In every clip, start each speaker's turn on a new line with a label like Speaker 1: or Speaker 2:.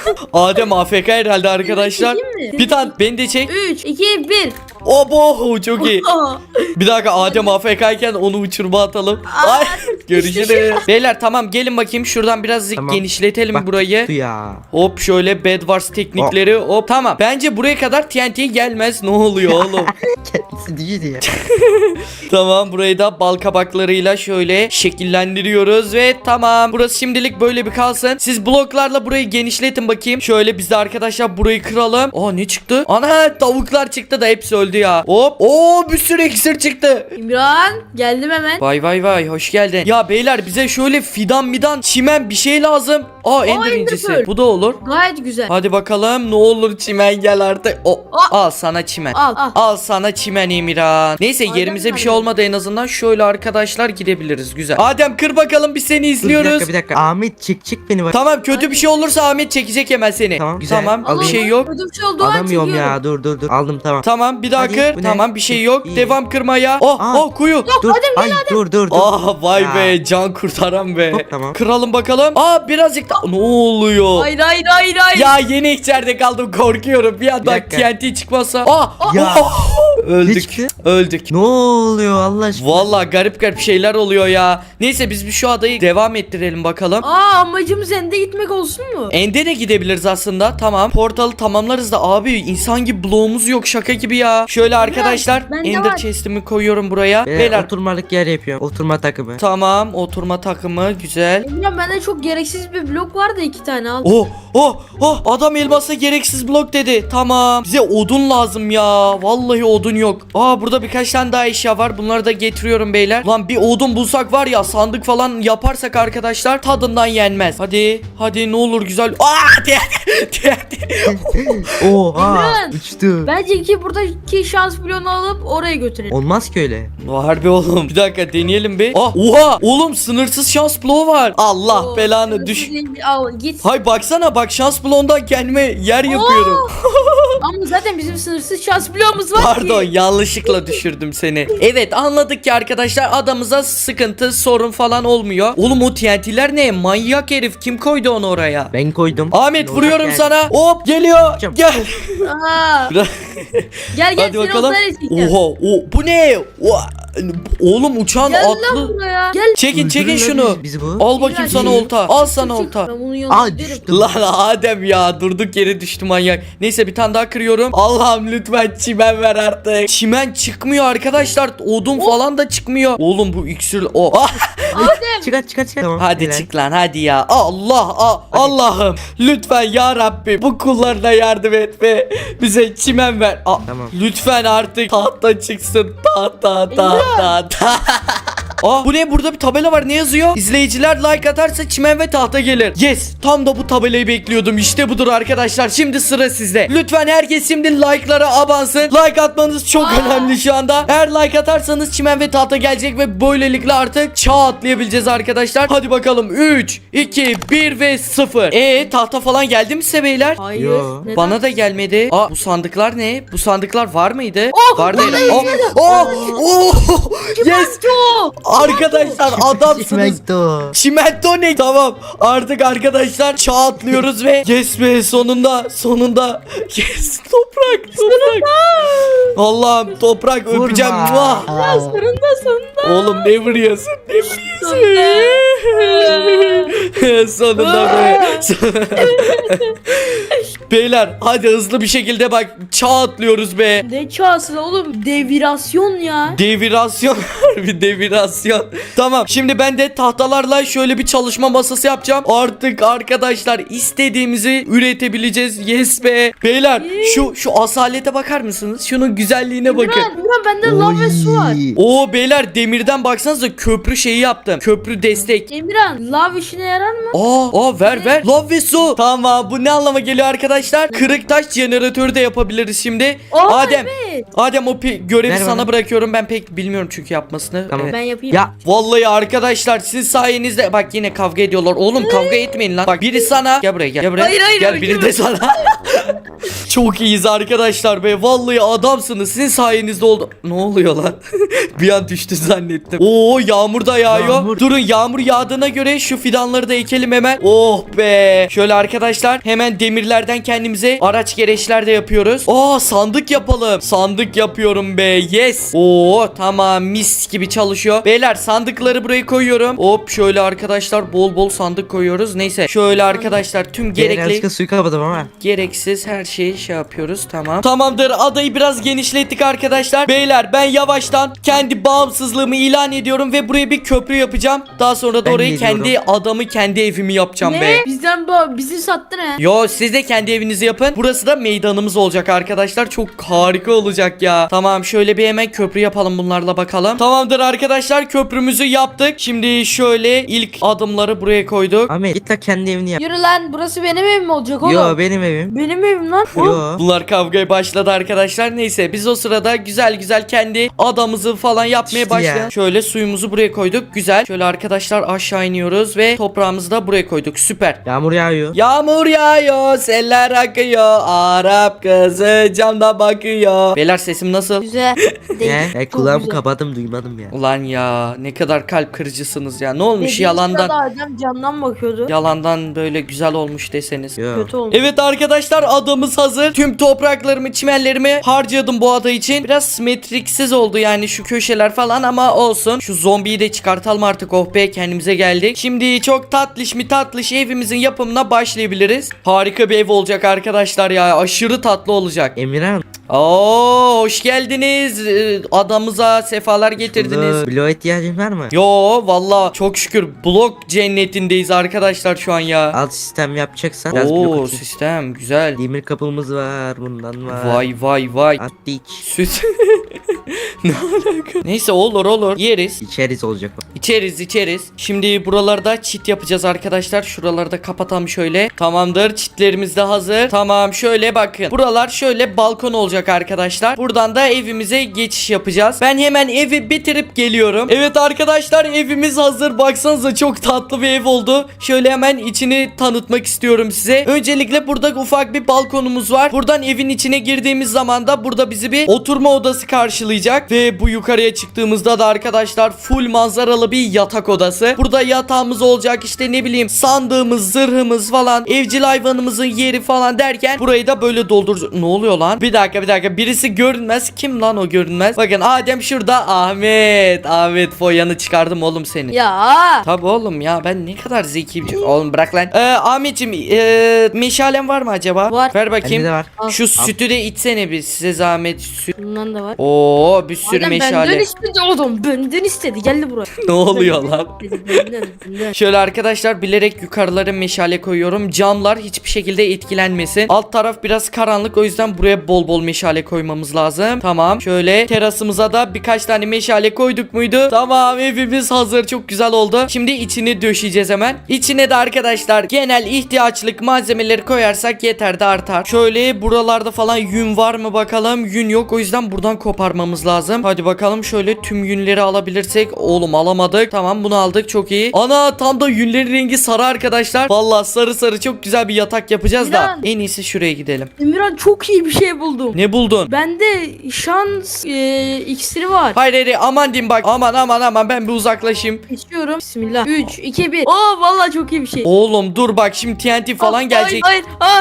Speaker 1: Adem AFK herhalde arkadaşlar.
Speaker 2: Çekeyim mi?
Speaker 1: Bir tane beni de çek.
Speaker 2: 3, 2, 1.
Speaker 1: Obo çok iyi. Bir dakika Adem AFK iken onu uçurma atalım. Ay, görüşürüz. Beyler tamam gelin bakayım şuradan birazcık
Speaker 3: Tamam.
Speaker 1: genişletelim
Speaker 3: Bak,
Speaker 1: burayı.
Speaker 3: tuttu ya.
Speaker 1: Hop şöyle Bed Wars teknikleri hop tamam. Bence buraya kadar TNT gelmez. Ne oluyor oğlum?
Speaker 3: Kendisi değil ya.
Speaker 1: Tamam burayı da bal kabaklarıyla şöyle şekillendiriyoruz ve tamam. Burası şimdilik böyle bir kalsın. Siz bloklarla burayı genişletin bakayım. Şöyle biz de arkadaşlar burayı kıralım. Aa ne çıktı? Ana tavuklar çıktı da hepsi öldü ya. Hop. Oo bir sürü iksir çıktı.
Speaker 2: İmran geldim hemen.
Speaker 1: Vay vay vay hoş geldin. Ya beyler bize şöyle fidan midan çimen bir şey lazım. Aa ender
Speaker 2: Ender
Speaker 1: incisi.
Speaker 2: pearl.
Speaker 1: Bu da olur.
Speaker 2: Gayet güzel.
Speaker 1: Hadi bakalım ne olur çimen gel artık. Al sana çimen.
Speaker 2: Al.
Speaker 1: Al sana çimen Emirhan. Neyse
Speaker 2: Adem
Speaker 1: yerimize bir şey
Speaker 2: nerede?
Speaker 1: olmadı en azından. Şöyle arkadaşlar gidebiliriz. Güzel. Adem kır bakalım biz seni
Speaker 3: Dur,
Speaker 1: izliyoruz.
Speaker 3: bir dakika. Ahmet çık beni bak.
Speaker 1: Tamam kötü bir şey olursa Ahmet çekecek hemen seni.
Speaker 3: Tamam, güzel.
Speaker 1: Tamam bir
Speaker 3: Alayım.
Speaker 1: şey yok.
Speaker 2: Kötü bir şey oldu.
Speaker 3: Alamıyorum ya. Dur. Aldım tamam.
Speaker 1: Tamam bir daha
Speaker 3: Hadi,
Speaker 1: kır.
Speaker 3: bu ne?
Speaker 1: Tamam bir şey yok.
Speaker 3: İyi.
Speaker 1: Devam kırmaya. Oh
Speaker 3: Aa.
Speaker 1: kuyu.
Speaker 3: Dur. Ay dur.
Speaker 1: Ah vay
Speaker 3: Ya.
Speaker 1: be can kurtaran be.
Speaker 3: Hop, tamam.
Speaker 1: Kıralım bakalım. Aa birazcık da ne oluyor?
Speaker 2: Hayır.
Speaker 1: Ya yeni içeride kaldım korkuyorum. Bir anda
Speaker 3: dakika.
Speaker 1: TNT çıkmasa.
Speaker 3: Ya. Ne
Speaker 1: Öldük.
Speaker 3: çıktı?
Speaker 1: Öldük.
Speaker 3: Ne oluyor Allah aşkına?
Speaker 1: Vallahi garip şeyler oluyor ya. Neyse biz bir şu adayı devam ettirelim bakalım.
Speaker 2: Amacımız Ende gitmek olsun mu?
Speaker 1: Ende de gidebiliriz aslında. Tamam. Portalı tamamlarız da abi insan gibi bloğumuz yok şaka gibi ya. Şöyle arkadaşlar
Speaker 2: bende
Speaker 1: Ender
Speaker 2: var.
Speaker 1: chest'imi koyuyorum buraya. Beyler
Speaker 3: Oturmalık yer yapıyorum. Oturma takımı.
Speaker 1: tamam oturma takımı güzel.
Speaker 2: İmran bende çok gereksiz bir blok var da 2 tane al.
Speaker 1: Adam elmasa gereksiz blok dedi. Tamam. Bize odun lazım ya. Vallahi odun yok. Burada birkaç tane daha eşya var. Bunları da getiriyorum beyler. Lan bir odun bulsak var ya sandık falan yaparsak arkadaşlar tadından yenmez. Hadi ne olur güzel.
Speaker 3: Oha
Speaker 2: İmran.
Speaker 3: uçtu.
Speaker 2: Bence ki buradaki şans bloğunu alıp oraya götürelim.
Speaker 3: Olmaz ki öyle.
Speaker 1: Harbi oğlum. Bir dakika deneyelim bir. Oha oğlum sınırsız şans bloğu var. Allah
Speaker 2: Oo,
Speaker 1: belanı düş.
Speaker 2: Al git.
Speaker 1: Hay baksana bak şans bloğundan kendime yer yapıyorum.
Speaker 2: Ama zaten bizim sınırsız şans bloğumuz var
Speaker 1: Pardon
Speaker 2: ki.
Speaker 1: yanlışlıkla düşürdüm seni. Evet anladık ki arkadaşlar adamıza sıkıntı sorun falan olmuyor. Oğlum o TNT'ler ne? Manyak herif kim koydu onu oraya?
Speaker 3: Ben koydum.
Speaker 1: Ahmet
Speaker 3: Ne
Speaker 1: vuruyorum
Speaker 3: olacak
Speaker 1: sana. Hop geliyor.
Speaker 3: Hocam.
Speaker 1: Gel.
Speaker 2: Aa, gel
Speaker 1: Hadi
Speaker 2: seni
Speaker 1: bakalım.
Speaker 2: onlara çekeceğim.
Speaker 1: Oha bu ne? Oğlum uçan
Speaker 2: Gel lan
Speaker 1: atlı.
Speaker 2: buraya. Gel.
Speaker 1: Çekin
Speaker 3: Öldürürler
Speaker 1: şunu.
Speaker 3: bizi bu.
Speaker 1: Al bakayım sana olta. Al sana olta.
Speaker 2: Ben bunun yanına
Speaker 3: Aa
Speaker 2: giderim.
Speaker 3: düştüm.
Speaker 1: Lan Adem ya durduk yere düştü manyak. Neyse bir tane daha kırıyorum. Allah'ım lütfen çimen ver artık. Çimen çıkmıyor arkadaşlar. Odun falan da çıkmıyor. Oğlum bu iksir
Speaker 2: Adem.
Speaker 3: Çıkar. Tamam.
Speaker 1: Hadi
Speaker 3: helal.
Speaker 1: çık lan hadi ya. Allah'ım lütfen ya Rabbi bu kullarına yardım et ve bize çimen ver.
Speaker 3: Tamam.
Speaker 1: Lütfen artık tahta çıksın. Tahta. Bu ne burada bir tabela var ne yazıyor? İzleyiciler like atarsa çimen ve tahta gelir. Yes tam da bu tabelayı bekliyordum. İşte budur arkadaşlar şimdi sıra sizde. Lütfen herkes şimdi like'lara abansın. Like atmanız çok önemli şu anda. Eğer like atarsanız çimen ve tahta gelecek ve böylelikle artık çağ atlayabileceğiz arkadaşlar. Hadi bakalım 3, 2, 1 ve 0. Tahta falan geldi mi size beyler?
Speaker 2: Hayır.
Speaker 3: Yo.
Speaker 2: Neden?
Speaker 1: Bana da gelmedi. Bu sandıklar ne? Bu sandıklar var mıydı? Vardı. Yes. Arkadaşlar adamsınız.
Speaker 3: Çimento.
Speaker 1: Çimento ne? Tamam. Artık arkadaşlar çağ atlıyoruz ve yes be sonunda. Yes toprak. Allah'ım toprak öpeceğim. Muah.
Speaker 2: Sonunda.
Speaker 1: Oğlum ne vuruyorsun? Sonunda be. Beyler hadi hızlı bir şekilde bak çağ atlıyoruz be.
Speaker 2: Ne çağsın oğlum? Devirasyon ya.
Speaker 1: Devirasyon bir devirasyon. Tamam şimdi ben de tahtalarla şöyle bir çalışma masası yapacağım. Artık arkadaşlar istediğimizi üretebileceğiz. Yes be. Beyler şu asalete bakar mısınız? Şunun güzelliğine bakın.
Speaker 2: İmran bende lav ve su var.
Speaker 1: Oo beyler demirden baksanıza köprü şeyi yaptım. Köprü destek.
Speaker 2: Emirhan lav işine yarar mı?
Speaker 1: Ver. Lav ve su. Tamam bu ne anlama geliyor arkadaşlar? Kırık taş jeneratörü de yapabiliriz şimdi. Adem.
Speaker 2: Evet.
Speaker 1: Adem o görevi
Speaker 3: Ver
Speaker 1: sana
Speaker 3: bana.
Speaker 1: bırakıyorum. Ben pek bilmiyorum çünkü yapmasını.
Speaker 3: Tamam.
Speaker 2: Ben yapayım.
Speaker 3: Ya
Speaker 1: Vallahi arkadaşlar sizin sayenizde bak yine kavga ediyorlar. Oğlum kavga etmeyin lan. Bak biri sana gel buraya gel buraya.
Speaker 2: Hayır,
Speaker 1: gel biri de sana. Çok iyiyiz arkadaşlar be. Vallahi adamsınız. Sizin sayenizde oldu. Ne oluyor lan? Bir an düştü zannettim. Oo, yağmur da yağıyor.
Speaker 3: Yağmur.
Speaker 1: Durun, yağmur yağdığına göre şu fidanları da ekelim hemen. Oh be. Şöyle arkadaşlar hemen demirlerden kendimize araç gereçler de yapıyoruz. Aa, sandık yapalım. Sandık yapıyorum be. Yes. Oo, tamam, mis gibi çalışıyor. Beyler, sandıkları buraya koyuyorum. Hop, şöyle arkadaşlar bol bol sandık koyuyoruz. Neyse, şöyle arkadaşlar tüm gerekli
Speaker 3: Yanlışlıkla suyu kapadım ama.
Speaker 1: gereksiz her şeyi şey yapıyoruz. Tamam. Tamamdır. Adayı biraz genişlettik arkadaşlar. Beyler, ben yavaştan kendi bağımsızlığımı ilan ediyorum ve buraya bir köprü yapacağım. Daha sonra da
Speaker 3: Ben
Speaker 1: orayı
Speaker 3: geliyorum.
Speaker 1: kendi adamı, kendi evimi yapacağım be.
Speaker 2: Ne? Bizi sattın he.
Speaker 1: Yo, siz de kendi evinizi yapın. Burası da meydanımız olacak arkadaşlar. Çok harika olacak ya. Tamam, şöyle bir hemen köprü yapalım bunlarla bakalım. Tamamdır arkadaşlar, köprümüzü yaptık. Şimdi şöyle ilk adımları buraya koyduk.
Speaker 3: Ahmet git la kendi evini yap.
Speaker 2: Yürü lan, burası benim evim olacak oğlum.
Speaker 3: Yo benim evim.
Speaker 2: Benim evim lan.
Speaker 3: Yo.
Speaker 1: Bunlar kavgaya başladı arkadaşlar. Neyse, biz o sırada güzel güzel kendi adamızı falan yapmaya
Speaker 3: İşte
Speaker 1: başlayalım.
Speaker 3: ya.
Speaker 1: Şöyle suyumuzu buraya koyduk. Güzel. Şöyle arkadaşlar aşağı iniyoruz ve toprağımızı da buraya koyduk. Süper.
Speaker 3: Yağmur yağıyor.
Speaker 1: Yağmur yağıyor, seller akıyor, Arap kızı camda bakıyor. Beyler, sesim nasıl?
Speaker 2: Güzel. Değil.
Speaker 3: Ne?
Speaker 2: Çok
Speaker 3: Kulağımı
Speaker 2: güzel.
Speaker 3: kapadım duymadım ya.
Speaker 1: Ulan ya, ne kadar kalp kırıcısınız ya. Ne olmuş
Speaker 2: Dediğin
Speaker 1: yalandan?
Speaker 2: sırada adam camdan bakıyordu.
Speaker 1: Yalandan böyle güzel olmuş deseniz.
Speaker 3: Yo.
Speaker 2: Kötü olmuş.
Speaker 1: Evet arkadaşlar, adamız hazır. Tüm topraklarımı, çimenlerimi harcadım bu ada için. Biraz simetriksiz oldu yani şu köşeler falan, ama olsun. Şu zombiyi de çıkartalım artık. Oh be, kendimize geldik. Şimdi çok tatlış mi tatlış evimizin yapımına başlayabiliriz. Harika bir ev olacak arkadaşlar ya. Aşırı tatlı olacak.
Speaker 3: Emirhan.
Speaker 1: Oo, hoş geldiniz. Adamıza sefalar getirdiniz.
Speaker 3: Burada bloğa ihtiyacın var mı?
Speaker 1: Yo, valla çok şükür blok cennetindeyiz arkadaşlar şu an ya.
Speaker 3: Alt sistem yapacaksan biraz blok
Speaker 1: Oo,
Speaker 3: atayım.
Speaker 1: sistem güzel.
Speaker 3: Demir kapımız var, bundan var.
Speaker 1: Vay vay vay.
Speaker 3: At iç.
Speaker 1: Süt. Ne alaka? Neyse, olur yeriz.
Speaker 3: İçeriz olacak o.
Speaker 1: İçeriz. Şimdi buralarda çit yapacağız arkadaşlar. Şuraları da kapatalım şöyle. Tamamdır, çitlerimiz de hazır. Tamam, şöyle bakın. Buralar şöyle balkon olacak arkadaşlar. Buradan da evimize geçiş yapacağız. Ben hemen evi bitirip geliyorum. Evet arkadaşlar, evimiz hazır. Baksanıza, çok tatlı bir ev oldu. Şöyle hemen içini tanıtmak istiyorum size. Öncelikle burada ufak bir balkonumuz var. Buradan evin içine girdiğimiz zaman da burada bizi bir oturma odası karşılayacak. Ve bu yukarıya çıktığımızda da arkadaşlar full manzaralı bir yatak odası. Burada yatağımız olacak, işte ne bileyim sandığımız, zırhımız falan, evcil hayvanımızın yeri falan derken burayı da böyle dolduracağız. Ne oluyor lan? Bir dakika, birisi görünmez. Kim lan o görünmez? Bakın, Adem şurada. Ahmet foyanı çıkardım oğlum seni.
Speaker 2: Ya.
Speaker 1: Tabi oğlum ya, ben ne kadar zekiyim. Oğlum bırak lan. Ahmetciğim, meşalen var mı acaba?
Speaker 2: Var.
Speaker 1: Ver
Speaker 3: Bende
Speaker 1: bakayım.
Speaker 3: de var.
Speaker 2: Al.
Speaker 1: Şu sütü de içsene bir, size zahmet. Süt.
Speaker 2: Bundan da var.
Speaker 1: Oo, bir sürü
Speaker 2: Adam benden
Speaker 1: meşale.
Speaker 2: istedi oğlum. Benden istedi. Geldi buraya.
Speaker 1: Ne oluyor lan?
Speaker 2: Benden.
Speaker 1: Şöyle arkadaşlar, bilerek yukarılara meşale koyuyorum. Camlar hiçbir şekilde etkilenmesin. Alt taraf biraz karanlık, o yüzden buraya bol bol meşale koymamız lazım. Tamam. Şöyle terasımıza da birkaç tane meşale koyduk muydu? Tamam, evimiz hazır. Çok güzel oldu. Şimdi içini döşeyeceğiz hemen. İçine de arkadaşlar genel ihtiyaçlık malzemeleri koyarsak yeter de artar. Şöyle buralarda falan yün var mı bakalım. Yün yok, o yüzden buradan koparmamız lazım. Hadi bakalım, şöyle tüm yünleri alabilirsek. Oğlum alamadık. Tamam, bunu aldık, çok iyi. Ana, tam da yünlerin rengi sarı arkadaşlar. Vallahi sarı çok güzel bir yatak yapacağız da.
Speaker 2: Miran.
Speaker 1: En iyisi şuraya gidelim.
Speaker 2: Emirhan, çok iyi bir şey buldum.
Speaker 1: Ne buldun?
Speaker 2: Bende şans iksiri var.
Speaker 1: Hayır, aman diyeyim bak. Aman, ben bir uzaklaşayım.
Speaker 2: Geçiyorum. Bismillah. 3, 2, 1. Oo, vallahi çok iyi bir şey.
Speaker 1: Oğlum dur bak, şimdi TNT falan gelecek.
Speaker 2: Hayır.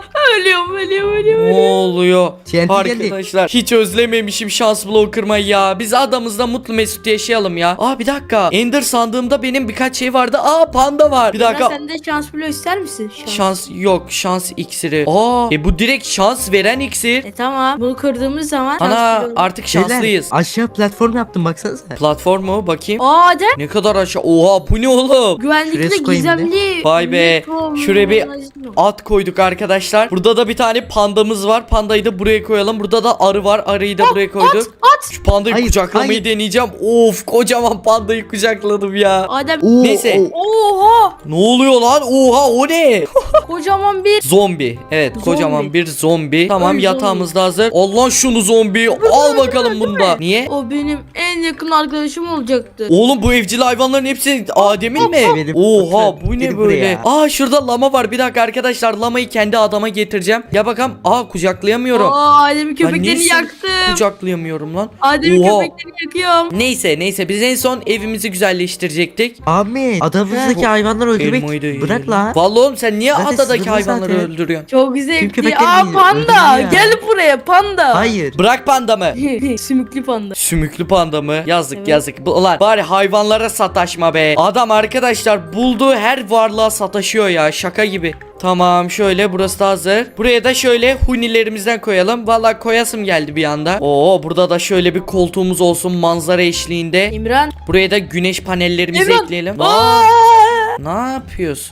Speaker 2: Ölüyorum.
Speaker 1: Ne oluyor?
Speaker 3: TNT geldi.
Speaker 1: Arkadaşlar, hiç özlememişim şans bloğu kırmayı ya. Biz adamızla mutlu mesut yaşayalım ya. Bir dakika. Ender sandığımda benim birkaç şey vardı. Panda var. Bir dakika.
Speaker 2: Sen de şans bloğu ister misin?
Speaker 1: Şans yok. Şans iksiri. Bu direkt şans veren iksir.
Speaker 2: Tamam. Bunu kırdığımız zaman
Speaker 1: Ana,
Speaker 2: şans bloğu-
Speaker 1: artık şanslıyız.
Speaker 3: Beyler, aşağı platform yaptım baksanıza.
Speaker 1: Platformu bakayım.
Speaker 2: Adem,
Speaker 1: Ne kadar aşağı. Oha, bu ne oğlum?
Speaker 2: güvenlikte
Speaker 3: Şuraya koyayım
Speaker 2: gizemli.
Speaker 1: Vay be.
Speaker 2: metro
Speaker 1: Şuraya bir
Speaker 2: magazin.
Speaker 1: at koyduk arkadaşlar. Burada da bir tane pandamız var. Pandayı da buraya koyalım. Burada da arı var. Arıyı da buraya koyduk.
Speaker 2: At.
Speaker 1: Şu pandayı
Speaker 3: Hayır,
Speaker 1: kucaklamayı
Speaker 3: hayır.
Speaker 1: deneyeceğim. Of, kocaman pandayı kucakladım ya.
Speaker 2: Adem.
Speaker 3: Oo,
Speaker 1: Neyse.
Speaker 2: Oha.
Speaker 1: Ne oluyor lan? Oha, o ne?
Speaker 2: Kocaman bir.
Speaker 1: Zombi. Evet,
Speaker 2: Zombi.
Speaker 1: kocaman bir zombi. Tamam,
Speaker 2: Ay,
Speaker 1: yatağımız da hazır. Allah şunu zombi. Al bakalım bunda. Niye?
Speaker 2: O benim en en yakın arkadaşım olacaktı.
Speaker 1: Oğlum bu evcil hayvanların hepsi Adem'in mi?
Speaker 3: Benim.
Speaker 1: Oha bu ne
Speaker 3: Gel
Speaker 1: böyle?
Speaker 3: buraya.
Speaker 1: Aa şurada lama var. Bir dakika arkadaşlar, lamayı kendi adama getireceğim. Ya bakalım. Aa kucaklayamıyorum.
Speaker 2: Adem'in
Speaker 1: Lan
Speaker 2: köpeklerini
Speaker 1: niye
Speaker 2: yaktım.
Speaker 1: kucaklayamıyorum lan.
Speaker 2: Adem'in
Speaker 1: Oha.
Speaker 2: köpeklerini yakıyorum.
Speaker 1: Neyse biz en son evimizi güzelleştirecektik.
Speaker 3: Ahmet adamızdaki hayvanları
Speaker 1: Elmayı da
Speaker 3: öldürmek
Speaker 1: yiyelim.
Speaker 3: bırak lan.
Speaker 1: Vallahi oğlum sen niye
Speaker 3: Zaten
Speaker 1: adadaki
Speaker 3: sınırlı
Speaker 1: hayvanları
Speaker 3: zaten.
Speaker 1: öldürüyorsun?
Speaker 2: Çok zevkli.
Speaker 3: köpekleri
Speaker 2: Aa
Speaker 3: değil,
Speaker 2: panda.
Speaker 3: öldürüyor.
Speaker 2: Gel buraya panda.
Speaker 3: Hayır.
Speaker 1: Bırak panda mı?
Speaker 2: Sümüklü panda.
Speaker 1: Sümüklü panda mı? Yazık
Speaker 2: Evet.
Speaker 1: yazık. Ulan bari hayvanlara sataşma be. Adam arkadaşlar bulduğu her varlığa sataşıyor ya, şaka gibi. Tamam şöyle, burası da hazır. Buraya da şöyle hunilerimizden koyalım. Vallahi koyasım geldi bir anda. Oo burada da şöyle bir koltuğumuz olsun manzara eşliğinde.
Speaker 2: İmran.
Speaker 1: Buraya da güneş panellerimizi
Speaker 2: İmran.
Speaker 1: ekleyelim.
Speaker 2: Aa!
Speaker 1: Ne yapıyorsun?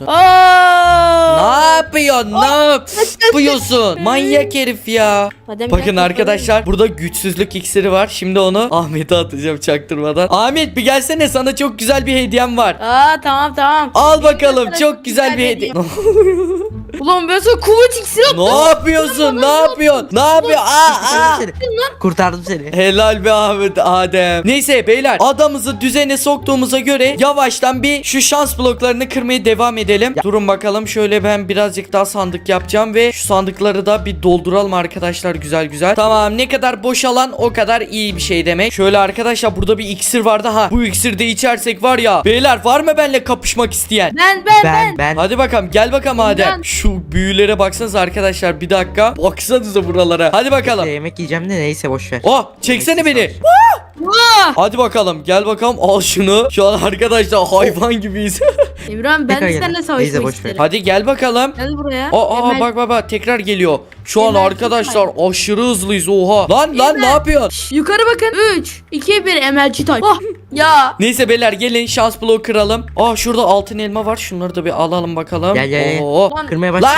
Speaker 2: Aa!
Speaker 1: Ne yapıyorsun? Ne yapıyorsun? Manyak herif ya.
Speaker 2: Adem,
Speaker 1: Bakın
Speaker 2: gel,
Speaker 1: arkadaşlar, burada güçsüzlük iksiri var. Şimdi onu Ahmet'e atacağım çaktırmadan. Ahmet bir gelsene, sana çok güzel bir hediyem var.
Speaker 2: Aa tamam.
Speaker 1: Al bakalım,
Speaker 2: Sana
Speaker 1: çok güzel bir hediye.
Speaker 2: Ulan ben sana kuvvet iksiri attım.
Speaker 1: Ne yapıyorsun? Ne yapıyorsun? Ne yapıyorsun? Aa!
Speaker 3: Kurtardım seni.
Speaker 1: Helal be Ahmet, Adem. Neyse beyler, adamızı düzene soktuğumuza göre yavaştan bir şu şans bloklarını kırmaya devam edelim. Durun bakalım, şöyle ben birazcık daha sandık yapacağım ve şu sandıkları da bir dolduralım arkadaşlar, güzel. Tamam, ne kadar boşalan o kadar iyi bir şey demek. Şöyle arkadaşlar, burada bir iksir vardı ha. Bu iksiri de içersek var ya. Beyler var mı benimle kapışmak isteyen?
Speaker 2: Ben.
Speaker 1: Hadi bakalım, gel bakalım Adem.
Speaker 2: Ben.
Speaker 1: Şu büyülere baksanıza arkadaşlar, bir dakika. Baksanıza buralara. Hadi bakalım.
Speaker 3: Yemek yiyeceğim de neyse boş ver.
Speaker 1: Oh, çeksene beni. Hadi bakalım, gel bakalım, al şunu. Şu an arkadaşlar hayvan gibiyiz.
Speaker 2: İmran ben
Speaker 3: Tekrar
Speaker 2: de
Speaker 3: gel.
Speaker 2: seninle
Speaker 3: Neyse,
Speaker 2: savaşmak
Speaker 3: boş ver.
Speaker 2: isterim.
Speaker 1: Hadi gel bakalım.
Speaker 2: Gel buraya.
Speaker 1: Aa bak tekrar geliyor. Şu an
Speaker 2: Emel,
Speaker 1: arkadaşlar aşırı hızlıyız, oha. Lan ne yapıyorsun?
Speaker 2: Yukarı bakın. 3, 2, 1 emelci tay. Oh ya.
Speaker 1: Neyse beyler, gelin şans bloğu kıralım. Aa şurada altın elma var. Şunları da bir alalım bakalım.
Speaker 3: Gel.
Speaker 1: Oo.
Speaker 2: Lan,
Speaker 3: Kırmaya başla.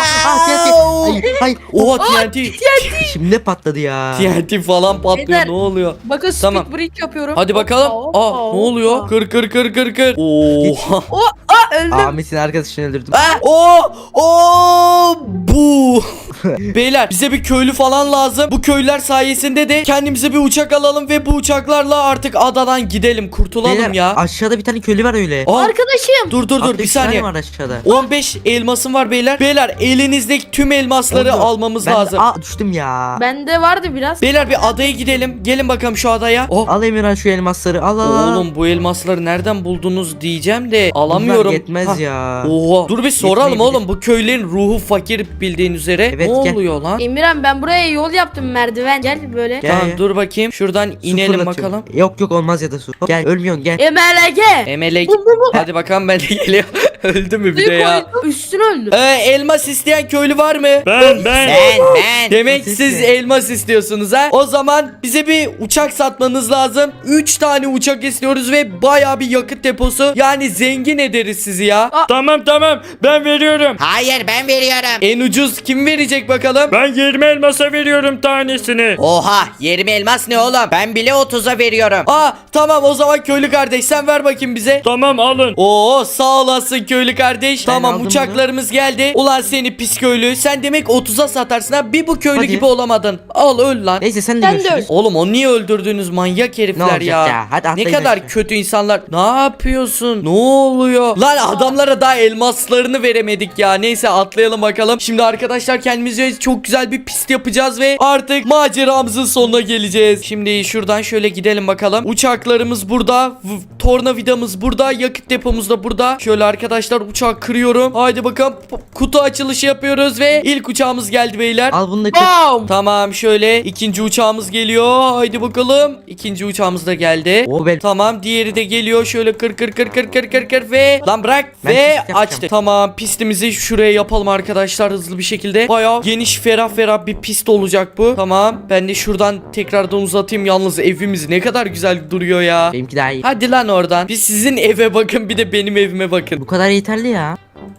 Speaker 1: Lan!
Speaker 3: Hayır.
Speaker 1: Oha TNT.
Speaker 3: Şimdi patladı ya.
Speaker 1: TNT falan patlıyor.
Speaker 2: Beyler.
Speaker 1: Ne oluyor?
Speaker 2: Bakın
Speaker 1: Tamam.
Speaker 2: speed break yapıyorum.
Speaker 1: Hadi bakalım.
Speaker 2: Hoppa,
Speaker 1: Aa
Speaker 2: hoppa,
Speaker 1: ne oluyor?
Speaker 2: hoppa.
Speaker 1: Kır. Oha.
Speaker 2: Öldüm.
Speaker 3: Ahmet'in arkadaşını öldürdüm.
Speaker 1: Bu. Beyler bize bir köylü falan lazım. Bu köylüler sayesinde de kendimize bir uçak alalım ve bu uçaklarla artık adadan gidelim, kurtulalım
Speaker 3: Beyler,
Speaker 1: ya.
Speaker 3: aşağıda bir tane köylü var öyle.
Speaker 2: Arkadaşım.
Speaker 1: Dur
Speaker 3: Altta
Speaker 1: bir
Speaker 3: üç tane
Speaker 1: saniye.
Speaker 3: var aşağıda.
Speaker 1: 15 elmasım var beyler. Beyler elinizdeki tüm elmasları
Speaker 3: Oldu.
Speaker 1: almamız
Speaker 3: Ben de-
Speaker 1: lazım.
Speaker 3: düştüm ya.
Speaker 2: Bende vardı biraz.
Speaker 1: Beyler bir adaya gidelim. Gelin bakalım şu adaya. Oh.
Speaker 3: Al Emirhan şu elmasları. Al.
Speaker 1: Oğlum bu elmasları nereden buldunuz diyeceğim de alamıyorum.
Speaker 3: Bunlar yetmez
Speaker 1: Hah.
Speaker 3: ya.
Speaker 1: Oha. Dur bir soralım
Speaker 3: Yetmeyebilir.
Speaker 1: oğlum. Bu köylerin ruhu fakir bildiğin üzere.
Speaker 3: Evet,
Speaker 1: ne
Speaker 3: gel.
Speaker 1: oluyor lan?
Speaker 2: İmran ben buraya yol yaptım, merdiven. Gel böyle.
Speaker 3: Gel.
Speaker 1: Tamam dur bakayım. Şuradan
Speaker 3: Su
Speaker 1: inelim
Speaker 3: fırlatıyorum.
Speaker 1: bakalım.
Speaker 3: Yok olmaz ya da su. Hop, gel ölmüyorsun gel.
Speaker 2: MLG.
Speaker 1: Emelek.
Speaker 2: Bu.
Speaker 1: Hadi bakalım, ben de geliyor. Öldü mü bir de
Speaker 2: Suyu
Speaker 1: ya?
Speaker 2: koydum, üstüne öldüm.
Speaker 1: Elmas isteyen köylü var mı?
Speaker 4: Ben.
Speaker 1: Demek
Speaker 3: Siz
Speaker 1: siz
Speaker 3: de.
Speaker 1: elmas istiyorsunuz ha? O zaman bize bir uçak satmanız lazım. 3 tane uçak istiyoruz ve baya bir yakıt deposu. Yani zengin ederiz sizi ya.
Speaker 4: Tamam ben veriyorum.
Speaker 5: Hayır ben veriyorum.
Speaker 1: En ucuz kim verecek bakalım?
Speaker 4: Ben 20 elmasa veriyorum tanesini.
Speaker 5: Oha 20 elmas ne oğlum? Ben bile 30'a veriyorum.
Speaker 1: Aa tamam, o zaman köylü kardeş sen ver bakayım bize.
Speaker 4: Tamam alın.
Speaker 1: Oo sağ olasın köylü kardeş. Tamam
Speaker 3: aldım
Speaker 1: uçaklarımız geldi. Ulan seni pis köylü. Sen demek 30'a satarsın ha. Bir bu köylü
Speaker 3: Hadi.
Speaker 1: gibi olamadın. Al öl lan.
Speaker 3: Neyse sen de
Speaker 2: Sen de
Speaker 3: görüşürüz.
Speaker 1: Oğlum o niye öldürdünüz manyak
Speaker 3: Ne
Speaker 1: herifler
Speaker 3: olacak
Speaker 1: ya.
Speaker 3: ya? Hadi
Speaker 1: Ne
Speaker 3: atlayın
Speaker 1: kadar
Speaker 3: aşağı.
Speaker 1: kötü insanlar. Ne yapıyorsun? Ne oluyor? Lan adamlara daha elmaslarını veremedik ya. Neyse atlayalım bakalım. Şimdi arkadaşlar kendimize çok güzel bir pist yapacağız ve artık maceramızın sonuna geleceğiz. Şimdi şuradan şöyle gidelim bakalım. Uçaklarımız burada. Tornavidamız burada. Yakıt depomuz da burada. Şöyle arkadaşlar uçağı kırıyorum. Haydi bakalım. Kutu açılışı yapıyoruz ve ilk uçağımız geldi beyler.
Speaker 3: Al bunu da kır.
Speaker 2: Bam.
Speaker 1: Tamam şöyle ikinci uçağımız geliyor. Haydi bakalım. İkinci uçağımız da geldi.
Speaker 3: O benim.
Speaker 1: Tamam diğeri de geliyor. Şöyle kır ve lan bırak
Speaker 3: Ben
Speaker 1: ve
Speaker 3: pist yapacağım.
Speaker 1: açtık. Tamam pistimizi şuraya yapalım arkadaşlar hızlı bir şekilde. Bayağı geniş ferah bir pist olacak bu. Tamam ben de şuradan tekrardan uzatayım. Yalnız evimiz ne kadar güzel duruyor ya.
Speaker 3: Benimki daha iyi.
Speaker 1: Hadi lan oradan. Bir sizin eve bakın, bir de benim evime bakın.
Speaker 3: Bu kadar yeterli ya.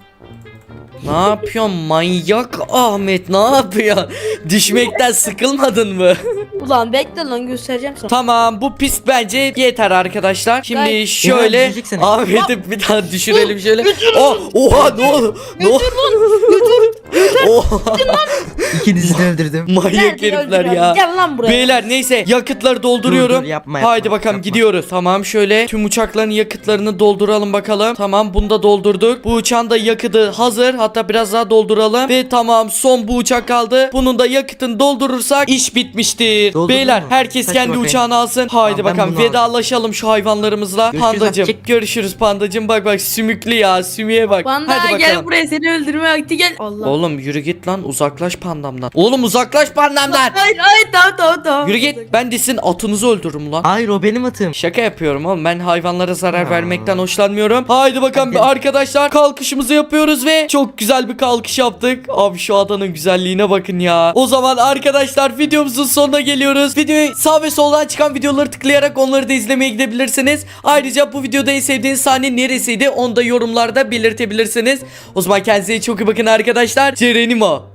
Speaker 1: Ne yapıyorsun manyak Ahmet, ne yapıyorsun? Düşmekten sıkılmadın mı?
Speaker 2: Ulan bekle lan, göstereceğim sana.
Speaker 1: Tamam bu pist bence yeter arkadaşlar. Şimdi
Speaker 2: Gayet-
Speaker 1: şöyle
Speaker 3: Ya, düşecek seni.
Speaker 1: Ahmet'i bir daha düşürelim şöyle. Oha ne oldu? Ne oldu? Oha.
Speaker 3: İkinizi de öldürdüm.
Speaker 1: Manyak
Speaker 2: Gel,
Speaker 1: herifler
Speaker 2: gel,
Speaker 1: ya.
Speaker 2: Gel lan buraya.
Speaker 1: Beyler neyse yakıtları dolduruyorum.
Speaker 3: Dur, yapma,
Speaker 1: Haydi
Speaker 3: yapma,
Speaker 1: bakalım
Speaker 3: yapma.
Speaker 1: gidiyoruz. Tamam şöyle tüm uçakların yakıtlarını dolduralım bakalım. Tamam bunu da doldurduk. Bu uçağın da yakıtı hazır. Hatta biraz daha dolduralım. Ve tamam son bu uçak kaldı. Bunun da yakıtını doldurursak iş bitmiştir.
Speaker 3: Doldurdun
Speaker 1: Beyler
Speaker 3: mu?
Speaker 1: herkes
Speaker 3: Hadi
Speaker 1: kendi
Speaker 3: bakayım.
Speaker 1: uçağını alsın. Haydi
Speaker 3: Tamam, ben
Speaker 1: bakalım
Speaker 3: bunu
Speaker 1: vedalaşalım şu hayvanlarımızla.
Speaker 3: Görüşürüz
Speaker 1: Pandacım
Speaker 3: azıcık.
Speaker 1: görüşürüz pandacım. Bak bak sümüklü ya sümüğe bak.
Speaker 2: Panda
Speaker 1: Hadi
Speaker 2: gel
Speaker 1: bakalım.
Speaker 2: buraya, seni öldürme vakti gel. Allah.
Speaker 1: Oğlum yürü git lan uzaklaş pandamdan. Oğlum uzaklaş pandamdan.
Speaker 2: Hayır tamam.
Speaker 1: Yürü git ben de sizin atınızı öldürürüm lan.
Speaker 3: Hayır o benim atım.
Speaker 1: Şaka yapıyorum oğlum ben hayvanlara zarar
Speaker 3: Ya.
Speaker 1: vermekten hoşlanmıyorum. Haydi bakalım
Speaker 3: Hadi.
Speaker 1: arkadaşlar kalkışımızı yapıyoruz ve çok güzel bir kalkış yaptık. Abi şu adanın güzelliğine bakın ya. O zaman arkadaşlar videomuzun sonuna geliyoruz. Videoyu sağ ve soldan çıkan videoları tıklayarak onları da izlemeye gidebilirsiniz. Ayrıca bu videoda en sevdiğiniz sahne neresiydi onu da yorumlarda belirtebilirsiniz. O zaman kendinize çok iyi bakın arkadaşlar. Cerenimo.